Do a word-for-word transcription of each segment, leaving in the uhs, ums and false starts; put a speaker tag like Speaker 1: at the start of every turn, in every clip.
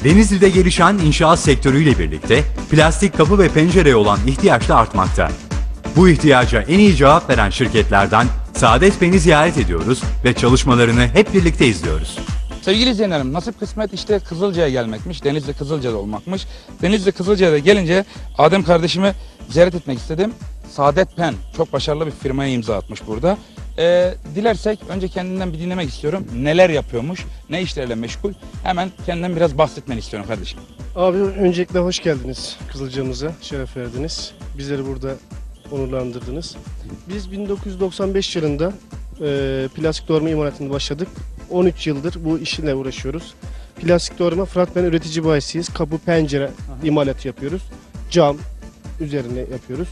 Speaker 1: Denizli'de gelişen inşaat sektörüyle birlikte plastik kapı ve pencereye olan ihtiyaç da artmakta. Bu ihtiyaca en iyi cevap veren şirketlerden Saadet Pen'i ziyaret ediyoruz ve çalışmalarını hep birlikte izliyoruz.
Speaker 2: Sevgili izleyenlerim, nasip kısmet işte Kızılca'ya gelmekmiş, Denizli Kızılca'da olmakmış. Denizli Kızılca'da gelince Adem kardeşimi ziyaret etmek istedim. Saadet Pen çok başarılı bir firmaya imza atmış burada. Ee, dilersek önce kendinden bir dinlemek istiyorum. Neler yapıyormuş, ne işlerle meşgul? Hemen kendinden biraz bahsetmeni istiyorum kardeşim.
Speaker 3: Abi öncelikle hoş geldiniz Kızılca'mıza, şeref verdiniz. Bizleri burada onurlandırdınız. Biz bin dokuz yüz doksan beş yılında e, plastik doğrama imalatına başladık. on üç yıldır bu işle uğraşıyoruz. Plastik doğrama Fıratmen üretici bayisiyiz. Kapı, pencere imalatı yapıyoruz. Cam üzerine yapıyoruz.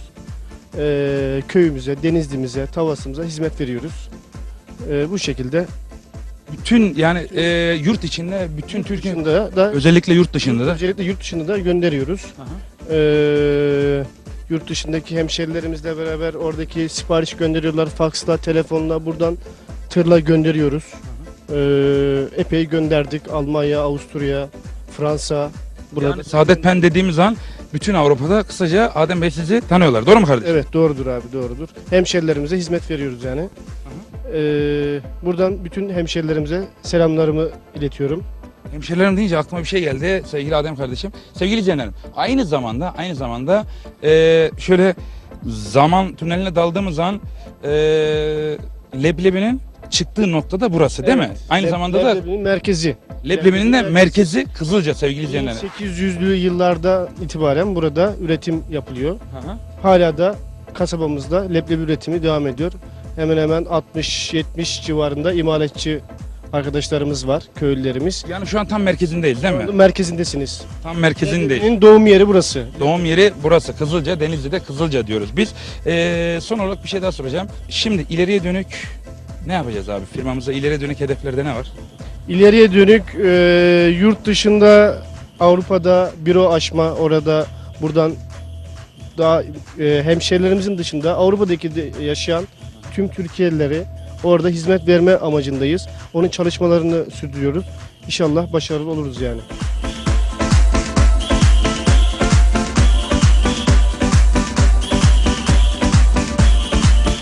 Speaker 3: E, köyümüze, Denizli'mize, Tavas'ımıza hizmet veriyoruz. E, bu şekilde.
Speaker 2: Bütün yani e, yurt içinde, bütün
Speaker 3: Yurt
Speaker 2: Türkiye,
Speaker 3: dışında da,
Speaker 2: özellikle yurt dışında da.
Speaker 3: özellikle yurt dışında da gönderiyoruz.
Speaker 2: Aha.
Speaker 3: Ee, yurt dışındaki hemşerilerimizle beraber oradaki sipariş gönderiyorlar. Faksla, telefonla, buradan tırla gönderiyoruz. Ee, epey gönderdik. Almanya, Avusturya, Fransa. Burada.
Speaker 2: Yani Saadet Pen dediğimiz an bütün Avrupa'da kısaca Adem Bey sizi tanıyorlar. Doğru mu kardeşim?
Speaker 3: Evet, doğrudur abi, doğrudur. Hemşerilerimize hizmet veriyoruz yani. Ee, buradan bütün hemşerilerimize selamlarımı iletiyorum.
Speaker 2: Hemşerilerim deyince aklıma bir şey geldi sevgili Adem kardeşim. Sevgili izleyenlerim, aynı zamanda aynı zamanda e, şöyle zaman tüneline daldığımız an e, leblebinin çıktığı nokta da burası değil mi?
Speaker 3: Evet.
Speaker 2: Aynı
Speaker 3: Leb-
Speaker 2: zamanda da
Speaker 3: Leblebinin merkezi.
Speaker 2: leblebinin de
Speaker 3: merkezi.
Speaker 2: merkezi Kızılca sevgili
Speaker 3: bin
Speaker 2: izleyenlerim.
Speaker 3: sekiz yüzlü yıllarda itibaren burada üretim yapılıyor.
Speaker 2: Hı hı.
Speaker 3: Hala da kasabamızda leblebi üretimi devam ediyor. Hemen hemen altmış yetmiş civarında imalatçı arkadaşlarımız var, köylülerimiz.
Speaker 2: Yani şu an tam merkezindeyiz değil mi?
Speaker 3: Merkezindesiniz.
Speaker 2: Tam merkezindeyiz.
Speaker 3: Leblebinin doğum yeri burası.
Speaker 2: Doğum yeri burası Kızılca, Denizli'de Kızılca diyoruz biz. Ee, son olarak bir şey daha soracağım. Şimdi ileriye dönük ne yapacağız abi? Firmamıza ileriye dönük hedeflerde ne var?
Speaker 3: İleriye dönük e, yurt dışında Avrupa'da büro açma, orada buradan daha e, hemşehrilerimizin dışında Avrupa'daki de yaşayan tüm Türkiye'lileri orada hizmet verme amacındayız. Onun çalışmalarını sürdürüyoruz. İnşallah başarılı oluruz yani.